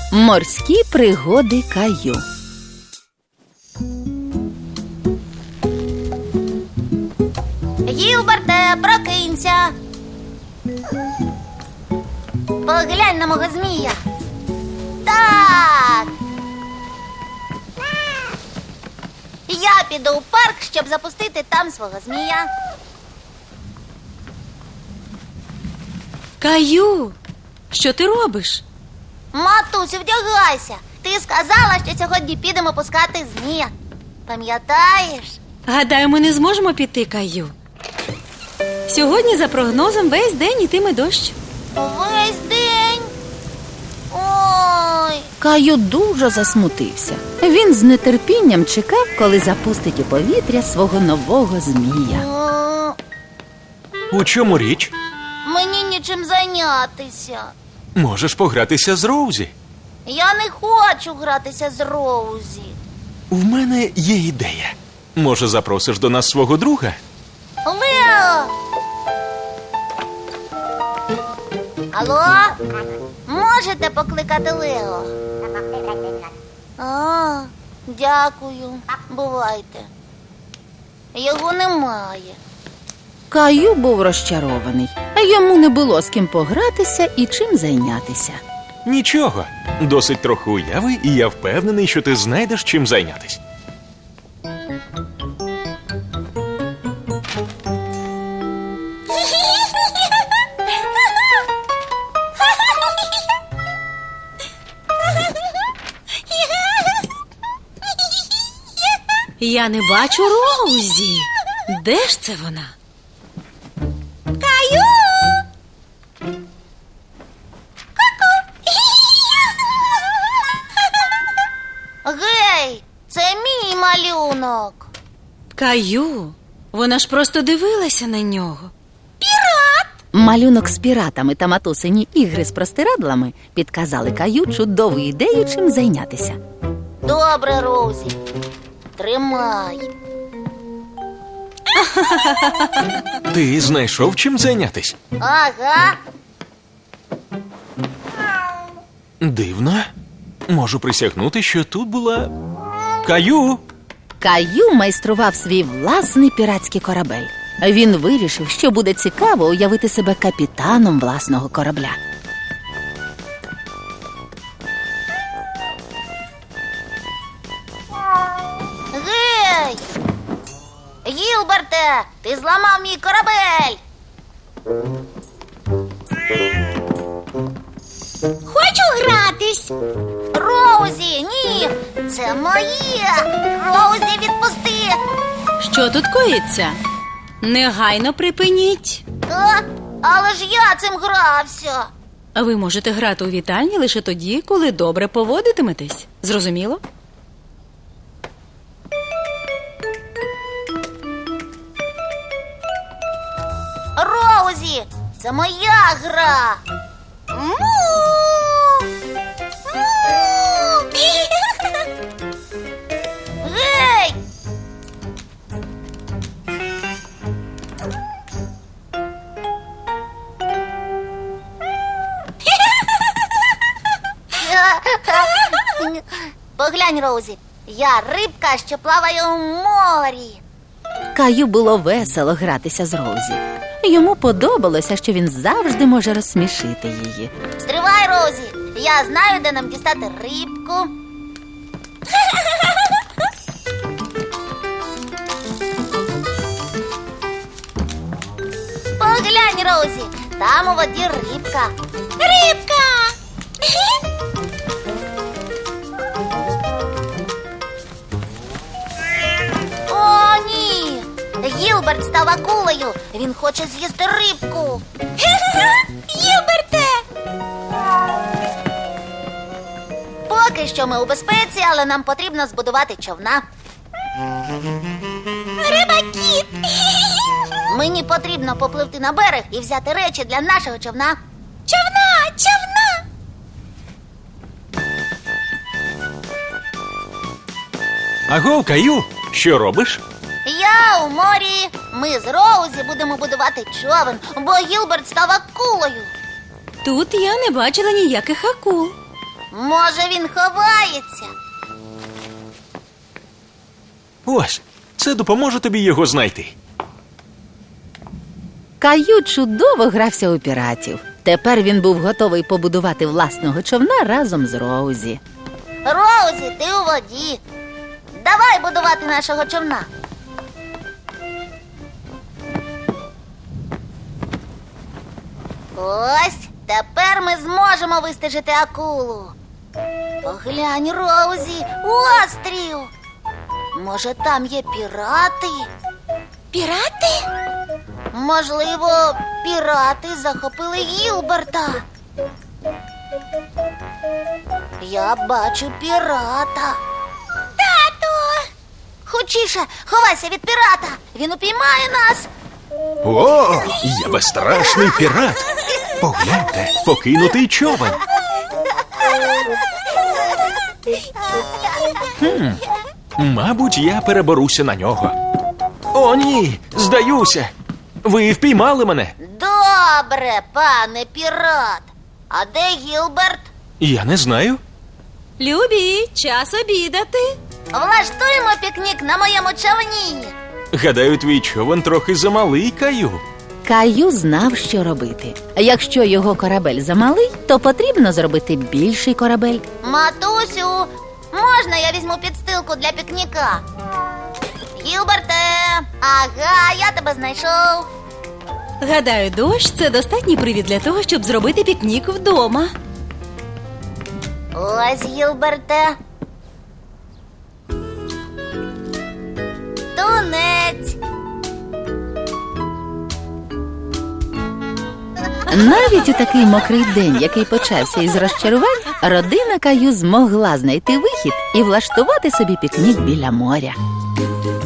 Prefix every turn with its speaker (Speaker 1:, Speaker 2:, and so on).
Speaker 1: Морські пригоди Каю.
Speaker 2: Гілберте, прокинься. Поглянь на мого змія. Так. Я піду у парк, щоб запустити там свого змія.
Speaker 3: Каю, що ти робиш?
Speaker 2: Матусю, вдягайся. Ти сказала, що сьогодні підемо пускати змія. Пам'ятаєш?
Speaker 3: Гадаю, ми не зможемо піти, Каю. Сьогодні, за прогнозом, весь день йтиме дощ.
Speaker 2: Весь день. Ой.
Speaker 1: Каю дуже засмутився. Він з нетерпінням чекав, коли запустить у повітря свого нового змія.
Speaker 4: У чому річ?
Speaker 2: Мені нічим зайнятися.
Speaker 4: Можеш погратися з Роузі.
Speaker 2: Я не хочу гратися з Роузі.
Speaker 4: В мене є ідея. Може, запросиш до нас свого друга?
Speaker 2: Лео! Алло? Можете покликати Лео? А, дякую. Бувайте. Його немає.
Speaker 1: Каю був розчарований. Йому не було з ким погратися і чим зайнятися.
Speaker 4: Нічого. Досить трохи уяви, і я впевнений, що ти знайдеш чим зайнятись.
Speaker 3: Я не бачу Роузі. Де ж це вона?
Speaker 2: Каю! Гей, це мій малюнок.
Speaker 3: Каю, вона ж просто дивилася на нього.
Speaker 1: Малюнок з піратами та матусині ігри з простирадлами підказали Каю чудову ідею, чим зайнятися.
Speaker 2: Добре, Роузі. Тримай.
Speaker 4: Ти знайшов чим зайнятись?
Speaker 2: Ага.
Speaker 4: Дивно. Можу присягнути, що тут була Каю.
Speaker 1: Каю майстрував свій власний піратський корабель. Він вирішив, що буде цікаво уявити себе капітаном власного корабля.
Speaker 2: Гей! Гілберте, ти зламав мій корабель. Хочу гратись. Роузі, ні, це моє. Роузі, відпусти.
Speaker 3: Що тут коїться? Негайно припиніть.
Speaker 2: Але ж я цим грався.
Speaker 3: А ви можете грати у вітальні лише тоді, коли добре поводитиметесь. Зрозуміло?
Speaker 2: Роузі, це моя гра. Гей! Поглянь, Роузі, я рибка, що плаває у морі.
Speaker 1: Каю було весело гратися з Роузі. Йому подобалося, що він завжди може розсмішити її.
Speaker 2: Стривай, Роузі, я знаю, де нам дістати рибку. Поглянь, Роузі, там у воді рибка. Рибка! О, ні! Гілберт став акулою. Він хоче з'їсти рибку. Гілберте! Поки що ми у безпеці, але нам потрібно збудувати човна. Рибакіт! Мені потрібно попливти на берег і взяти речі для нашого човна. Човна! Човна!
Speaker 4: Аго, Каю, що робиш?
Speaker 2: Я у морі. Ми з Роузі будемо будувати човен, бо Гілберт став акулою.
Speaker 3: Тут я не бачила ніяких акул.
Speaker 2: Може, він ховається?
Speaker 4: Ось, це допоможе тобі його знайти.
Speaker 1: Каю чудово грався у піратів. Тепер він був готовий побудувати власного човна разом з Роузі.
Speaker 2: Роузі, ти у воді. Давай будувати нашого човна. Ось, тепер ми зможемо вистежити акулу. Поглянь, Роузі, острів. Може, там є пірати? Пірати? Можливо, пірати захопили Гілберта. Я бачу пірата. Тату! Хочіше, ховайся від пірата. Він упіймає нас.
Speaker 4: О, я безстрашний пірат. Погляньте, покинутий човен. Мабуть, я переберуся на нього. О, ні, здаюся. Ви впіймали мене.
Speaker 2: Добре, пане пірат. А де Гілберт?
Speaker 4: Я не знаю.
Speaker 3: Любі, час обідати.
Speaker 2: Влаштуємо пікнік на моєму човні.
Speaker 4: Гадаю, твій човен трохи замалий, Каю.
Speaker 1: Каю знав, що робити. Якщо його корабель замалий, то потрібно зробити більший корабель.
Speaker 2: Матусю, можна я візьму підстилку для пікніка? Гілберте, ага, я тебе знайшов.
Speaker 3: Гадаю, дощ це достатній привід для того, щоб зробити пікнік вдома.
Speaker 2: Ось, Гілберте. Тунець.
Speaker 1: Навіть у такий мокрий день, який почався із розчарувань, родина Каю змогла знайти вихід і влаштувати собі пікнік біля моря.